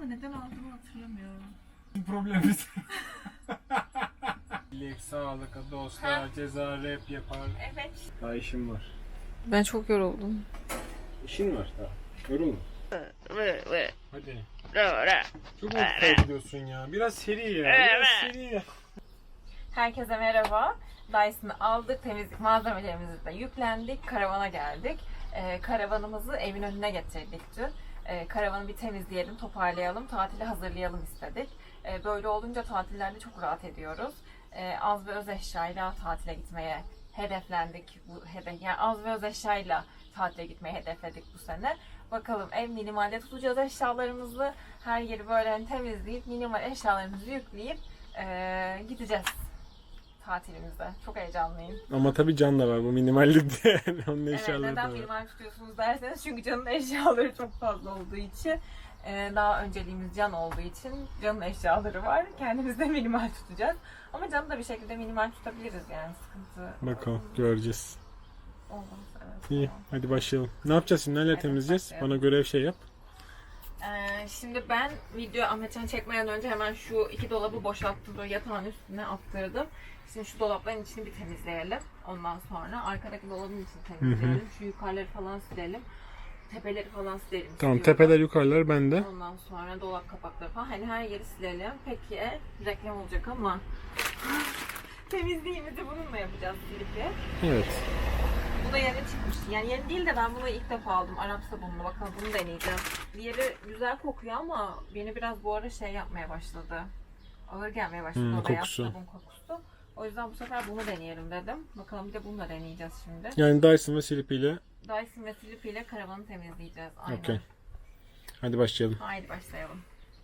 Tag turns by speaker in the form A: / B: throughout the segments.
A: ama neden aldığımı hatırlamıyorum.
B: Problemimiz. Bilek, sağlık, dostlar, ceza, rap yapar.
A: Evet.
B: Daha işim var.
A: Ben çok yoruldum.
B: İşin var daha. Yorulma. Hadi. Çok vakit kaybediyorsun ya. Biraz seri ya. Biraz seri ya.
A: Herkese merhaba. Dyson'ı aldık, temizlik malzemelerimizi de yüklendik, karavana geldik. Karavanımızı evin önüne getirdik dün. Karavanı bir temizleyelim, toparlayalım, tatile hazırlayalım istedik. Böyle olunca tatillerde çok rahat ediyoruz. Az ve öz eşyayla tatile gitmeye hedeflendik. Yani az ve öz eşyayla tatile gitmeyi hedefledik bu sene. Bakalım ev minimalde tutacağız eşyalarımızı. Her yeri böyle hani temizleyip minimal eşyalarımızı yükleyip gideceğiz tatilimizde. Çok heyecanlıyım.
B: Ama tabii Can da var bu minimallikte. Onun
A: Evet,
B: eşyaları
A: neden
B: da var.
A: minimal tutuyorsunuz derseniz çünkü Can'ın eşyaları çok fazla olduğu için, daha önceliğimiz Can olduğu için Can'ın eşyaları var. Kendimiz de minimal tutacağız. Ama Can'ı da bir şekilde minimal tutabiliriz yani, sıkıntı
B: Bakalım göreceğiz.
A: olmaz. Evet,
B: İyi
A: tamam.
B: hadi başlayalım. Ne yapacağız şimdi? Neyle
A: Hadi
B: temizleyeceğiz?
A: başlayalım.
B: Bana görev şey yap.
A: Şimdi ben video Ahmetcan çekmeden önce hemen şu iki dolabı boşalttım, böyle yatağın üstüne attırdım. Şimdi şu dolapların içini bir temizleyelim. Ondan sonra arkadaki dolabın içini temizleyelim. Şu yukarıları falan silelim. Tepeleri falan silelim.
B: Tamam,
A: istiyorum.
B: tepeler yukarılar bende.
A: Ondan sonra dolap kapakları falan. Hani her yeri silelim. Peki reklam olacak ama temizliğimizi bununla yapacağız, silip.
B: Evet.
A: Bu da yeni çıkmış. Yani yeni değil de ben bunu ilk defa aldım. Arap sabunlu. Bakalım bunu deneyeceğim. Diğeri güzel kokuyor ama beni biraz bu ara şey yapmaya başladı. Ağır gelmeye başladı o beyaz
B: kokusu.
A: sabun kokusu. O yüzden bu sefer bunu deneyelim dedim. Bakalım bir de bunu da deneyeceğiz şimdi.
B: Yani Dyson ve Sleepy ile.
A: Dyson ve Sleepy ile karavanı temizleyeceğiz. Aynen.
B: Okey. Hadi başlayalım.
A: Haydi başlayalım.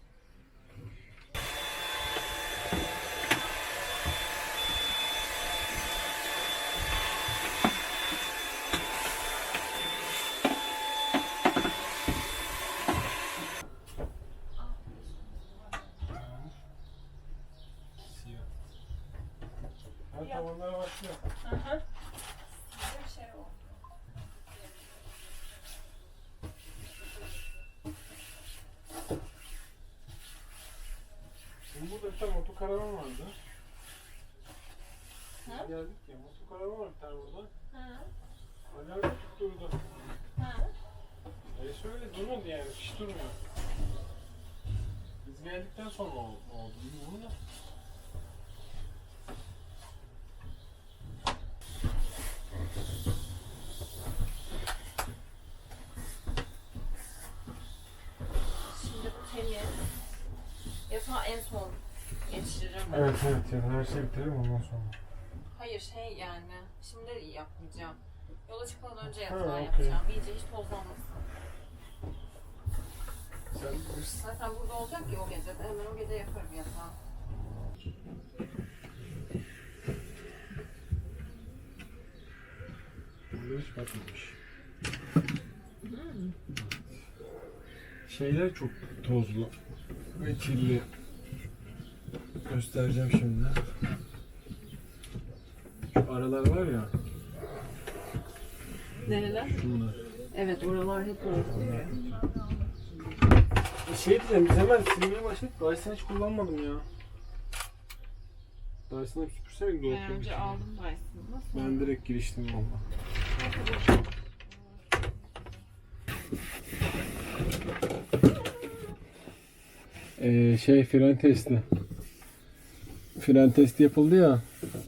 B: Hadi tavanlara başlıyor. Şimdi burada bir tane motokaravan vardı.
A: Ha?
B: Geldik ya, motokaravan var bir tane burada.
A: Ha.
B: Alarm tutturdu.
A: Ha.
B: Şöyle durmadı yani, hiç durmuyor. Biz geldikten sonra oldu bilmiyorum da.
A: Şimdi bu temiz. Yatağı en son geçiririm.
B: Evet yani her şey biterim ondan sonra.
A: Hayır şey yani, şimdi de iyi yapmayacağım. Yola çıkmadan önce
B: Ha,
A: yatağı
B: okey.
A: yapacağım. İyice hiç tozlanmasın.
B: Sen bilirsin.
A: Zaten burada olacak ya o gece de. Hemen o gece yaparım yatağı.
B: Burada hiç batmamış. Şeyler çok tozlu ve kirli. Göstereceğim şimdi. Şu aralar var ya,
A: Nereler?
B: şunlar.
A: Evet, oralar hep öyle.
B: Şey diyeceğim, biz hemen silmeye başladık. Dyson'ı hiç kullanmadım ya. Dyson'ı bir süpürseydik dolapları.
A: Ben önce aldım Dyson'ı. Nasıl?
B: Ben direkt giriştim valla. Fren testi. Fren testi yapıldı ya.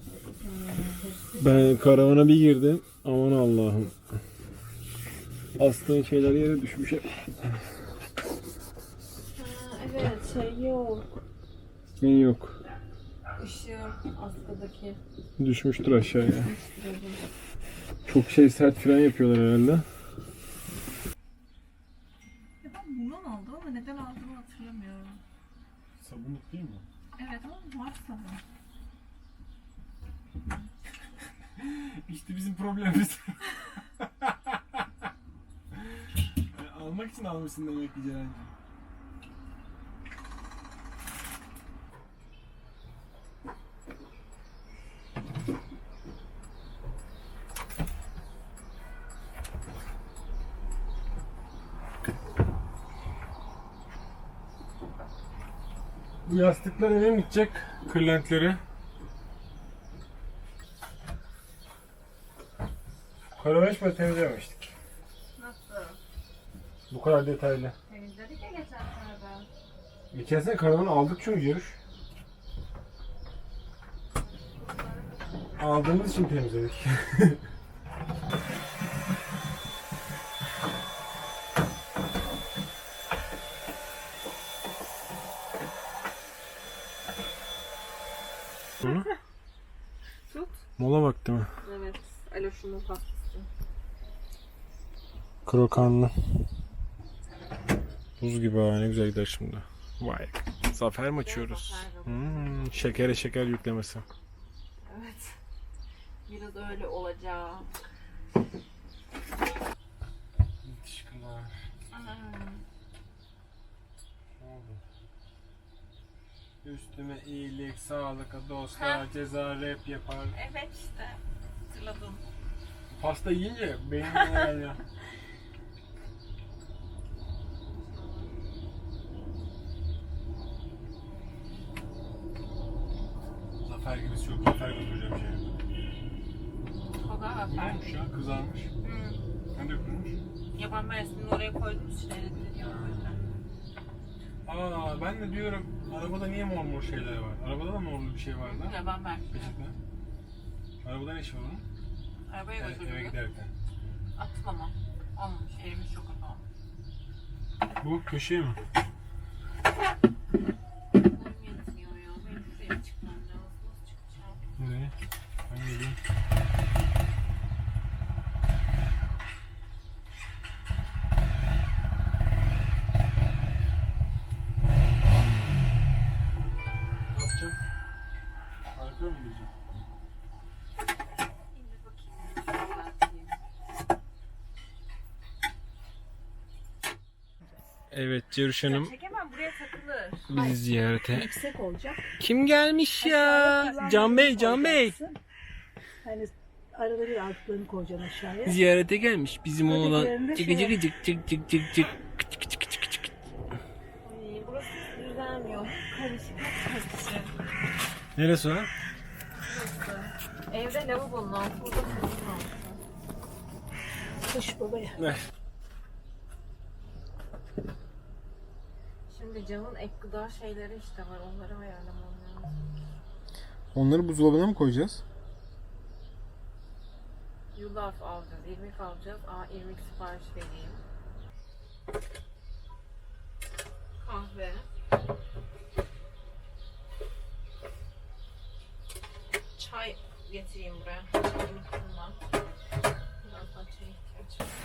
B: Ben karavana bir girdim. Aman Allah'ım. Astığın şeyler yere düşmüş hep.
A: Evet, şey yok.
B: Ne yok.
A: Işığı askıdaki.
B: Düşmüştür aşağıya. Çok sert fren yapıyorlar herhalde.
A: Ya ben bundan aldım ama neden aldığımı hatırlamıyorum.
B: Sabunluk değil mi?
A: Evet ama var sabun.
B: İşte bizim problemimiz. Almak için almışsın demek ki Ceren'ciğim. Bu yastıklar eve mi gidecek? Kırlentleri. Karavan hiç böyle temizlememiştik.
A: Nasıl?
B: Bu kadar detaylı.
A: Temizledik ya geçen sene.
B: Geçen sene karavanı aldık çünkü yarış. Aldığımız için temizledik. Bunu?
A: Tut.
B: Mola vakti mi?
A: Evet. Aloş'umun pastası.
B: Krokanlı. Buz gibi ha, ne güzel gider şimdi. Vay. Zafer mi açıyoruz? Şekere şeker yüklemesi.
A: Evet. Biraz öyle olacak.
B: Yetişkinler. Ne oldu? Üstüme iyilik, sağlık, dostlar, ceza, rap yapar.
A: Evet işte. Hatırladım.
B: Pasta yiyince beynime geldi. Zafer gibisi çok. Zafer götüreceğim şey.
A: O da
B: Ne
A: haber.
B: olmuş ya? Kızarmış. Ne dökülmüş?
A: Yaban mersini oraya koydunuz işte eritildi o yüzden.
B: Aa, ben de diyorum arabada niye mor mor şeyler var? Arabada da morlu bir şey vardı.
A: Yaban mersini.
B: Peçete. Arabada ne işi var onun?
A: Arabaya
B: Eve
A: götürdüm.
B: giderken.
A: Attım ama. Olmamış. Elimiz çok kötü olmuş.
B: Bu köşeye mi?
A: Boyum yetmiyor ya. Benim şuraya çıkmam lazım. Nasıl çıkacağım?
B: Nereye? Ben geleyim. Ne yapacağım? Arkaya mı gideceğim?
A: İndir bakayım. Düzelteyim.
B: Evet Ceruş Hanım
A: Çekemem buraya takılır.
B: bizi ziyarete.
C: Yüksek olacak.
B: Kim gelmiş ya? Can Bey, Can Bey.
C: Hani arada bir altlarını koyacaksın aşağıya.
B: Ziyarete gelmiş bizim oğlan.
C: Ötekilerinde
B: Cık
C: şey
B: cık cık cık cık cık cık.
A: Ay, burası düzelmiyor. Karışık. Karışık.
B: Neresi o?
A: Burası. Evde lavabonun altı. Burada fırının altı.
C: Kış babaya.
B: Ver.
A: Şimdi Can'ın ek gıda şeyleri işte var. Onları ayarlamam lazım.
B: Onları buzdolabına mı koyacağız?
A: Yulaf alacağız. İrmik alacağız. İrmik sipariş vereyim. Kahve. Çay getireyim buraya. Çayı unuttum ben. Birazdan çaya ihtiyaç var.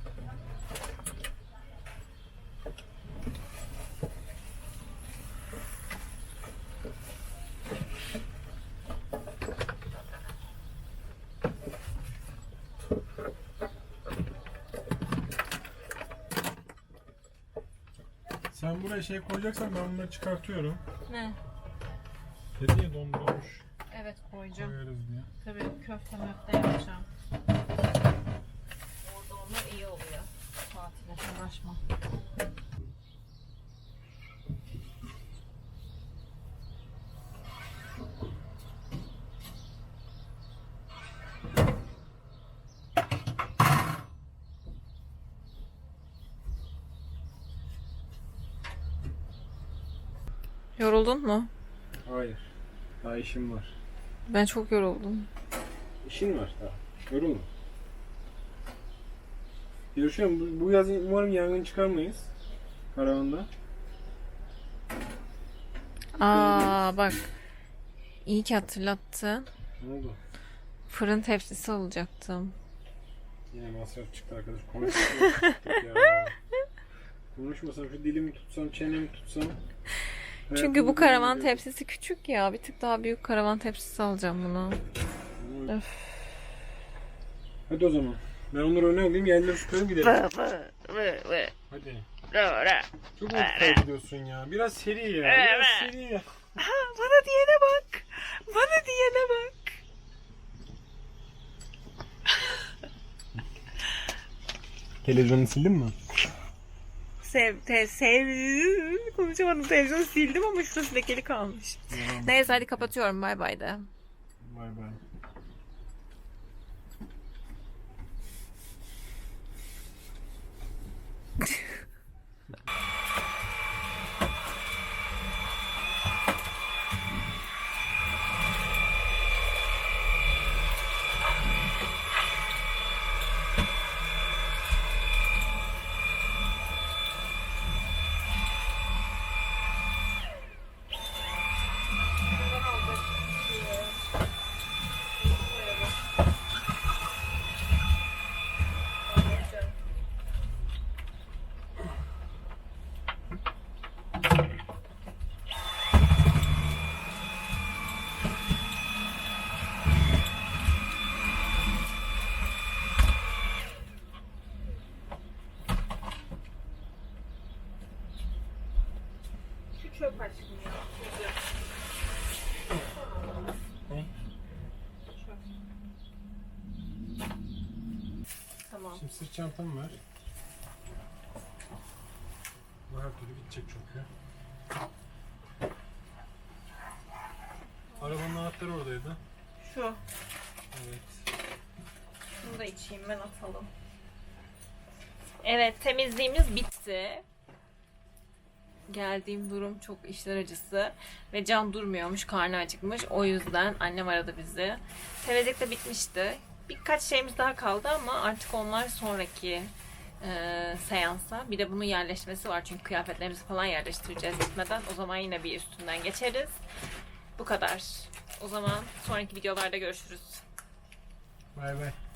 B: Sen buraya şey koyacaksan ben bunları çıkartıyorum.
A: Ne?
B: Dedi ya dondurulmuş
A: Evet koyacağım.
B: koyarız diye.
A: Tabii köfte möfte yapacağım. Orada onlar iyi oluyor. Tatile uğraşma. Yoruldun mu?
B: Hayır. Daha işim var.
A: Ben çok yoruldum.
B: İşin var daha. Yorulma. Görüşüyorum. Bu yaz umarım yangın çıkarmayız. Karavanda.
A: Bak. İyi ki hatırlattın.
B: Ne oldu?
A: Fırın tepsisi alacaktım.
B: Yine masraf çıktı arkadaş. Konuşmasam ya. Konuşmasam şu dilimi tutsam, çenemi tutsam.
A: Çünkü bu karavan tepsisi küçük ya. Bir tık daha büyük karavan tepsisi alacağım bunu. Öf.
B: Hadi o zaman. Ben onları öne alayım, yerleri süperim gidelim. Hadi. Çok mu kaybediyorsun ya? Biraz seri ya. Biraz seri ya.
A: Bana diyene bak. Bana diyene bak.
B: Televizyonu sildin mi?
A: konuşamadım, televizyonu sildim ama şurası lekeli kalmış. Neyse hadi kapatıyorum, bay bay de.
B: Bay bay.
A: Şu çöp aşkım ya.
B: Ne?
A: Tamam.
B: Şimdi sırt çantam var. Bu her türlü gidecek çünkü. Arabanın anahtarı oradaydı.
A: Şu.
B: Evet.
A: Bunu da içeyim ben, atalım. Evet, temizliğimiz bitti. Geldiğim durum çok işler acısı ve Can durmuyormuş, karnı acıkmış. O yüzden annem aradı bizi. Temizlik de bitmişti. Birkaç şeyimiz daha kaldı ama artık onlar sonraki seansa. Bir de bunun yerleşmesi var çünkü kıyafetlerimizi falan yerleştireceğiz gitmeden. O zaman yine bir üstünden geçeriz. Bu kadar. O zaman sonraki videolarda görüşürüz.
B: Bay bay.